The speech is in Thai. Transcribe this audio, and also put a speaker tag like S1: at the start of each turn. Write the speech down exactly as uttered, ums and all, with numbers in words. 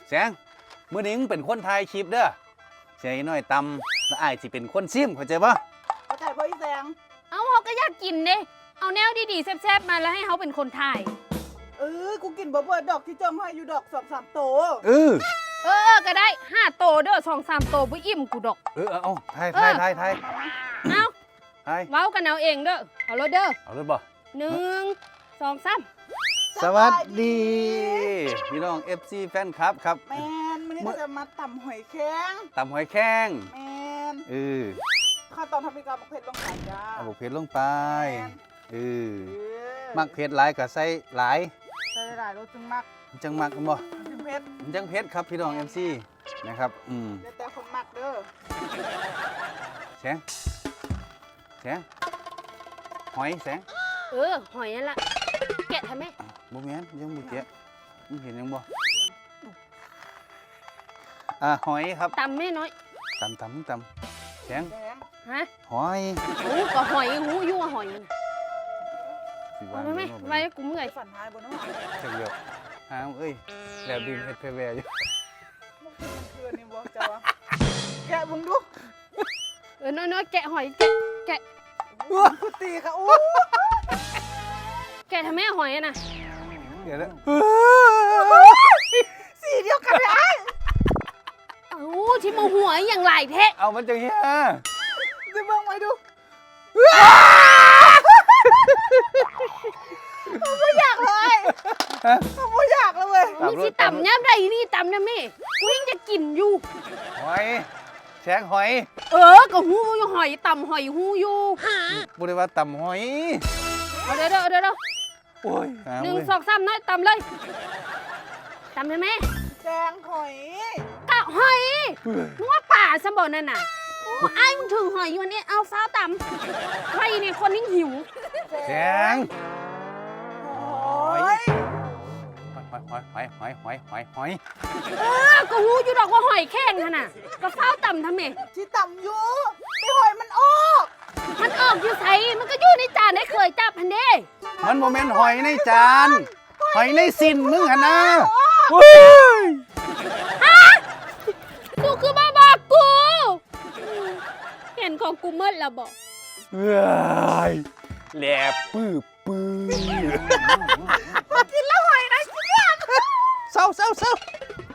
S1: แสงมื้อนี้มึงเป็นคนถ่ายคลิปเด้อเสียน้อยตำแล้วอ้ายสิเป็นคนซิมเข้าใจบ่
S2: เข้าใจบ่อีแสง
S3: เอาเขาก็อยากกินเด้เอาแนวดีๆแซ่บๆมาแล้วให้เขาเป็นคนถ่าย
S2: เออกูกินบ่เบิดดอกที่จองให้อยู่ดอกสองสามโต
S1: เออ
S3: เออก็ได้ห้าโตเด้อสองสามโตบ่อิ่มกูดอก
S1: เออเอาถ่ายถ่ายถ่ายถ่าย
S3: เอา
S1: ถ่าย
S3: เว้ากันเอาเองเด้อเอาเลยเด้อ
S1: เอาเลยบ่
S3: หนึ่งสองสาม
S1: สวัสดีพี่น้อง เอฟ ซี แฟนคลับครับ
S2: แมนมื้อนี้ก็จะมาตำหอยแข็ง
S1: ตำหอยแข้ง
S2: แมน
S1: เออ
S2: ขั้นตอนทำมีการบักเผ็ดลงไปจ้า
S1: เอาบักเผ็ดลงไปเออมักเผ็ดหลายก็ใส่หลาย
S2: ใส่หลายรสจึงมัก
S1: จังมักบ่
S2: จึงเผ็ด
S1: จังเผ็ดครับพี่น้อง เอฟ ซี นะครับอืม
S2: แต่คนมักเด้อ
S1: แสงแสงหอยแสง
S3: เออหอยนั่นล่ะแกะทำไม
S1: บ่แม่นยังบ่แกะมึงเห็นยังบ่อ่าหอยครับ
S3: ตำแม่น้อย
S1: ตำตำตำแสง
S3: ฮะ
S1: หอย
S3: โอ้ก็หอยหูอยู่ว่าหอย
S1: สิ
S3: ว่าไหมไว้กูเมื่อย
S2: ฝันหายบ่เนาะ
S1: จังเดียวหาเอ้ยแล้วดินเฮ็ดเพแวอยู่
S2: มันคือนี่บ่จ้าวะแกะมึงดู
S3: เออน้อยๆแกะหอยแกะแกะ
S2: กูตีค่ะอู้
S3: แกะทำไมหอยน่ะ
S1: เดี๋ยวนะ
S2: สีเดียวกันเลยไอ้
S3: เอ้าที่มาหัวอย่างไรแท้
S1: เอามันจังเฮีย
S2: จะเบิ่งไว้ดูไม่อยากเลยไม่อยากเลยเว้ย
S3: มึงสิต่ำย่ำใดนี่ต่ำนะแม่กูยังจะกินอยู่
S1: หอยแสงหอย
S3: เออก็หูอยู่หอยต่ำหอยหูอยู่
S1: บ่ได้ว่าตำหอย
S3: เอาเดี๋ยวเดี๋ยวเดี๋ยว
S1: โอ้ย
S3: หนึ่งสองสามน้อยต่ำเลยต่ำเลยแม่
S2: แจงหอย
S3: กะหอยนึกว่าป่าสมบัตินั่นน่ะโอ้ไอ้มึงถึงหอยอยู่วันนี้เอาฟ้าต่ำใครเนี่ยคนยิ่งหิว
S1: แสง
S2: หอย
S1: หอยหอยหอยหอยหอยหอย
S3: เออก็หูอยู่ดอกว่าหอยแข้งขนาดก็ฟ้าต่ำทำไม
S2: ที่ต่ำอยู่ไอหอยมันออก
S3: มันออกอยู่ใส่มันก็อยู่ในจานได้เคยจับพันเด้
S1: มันโมเมนต์หอยในจานหอยในสินมึงหะนะ
S3: ฮะกูคือบ้าบอกกูเห็นของกูเมื่อแล้วบอก
S1: เฮ้ยแหลบปื้อปื้อ
S2: มากินแล้วหอยนะเสีย
S1: เศร้าเศร้าเศร้า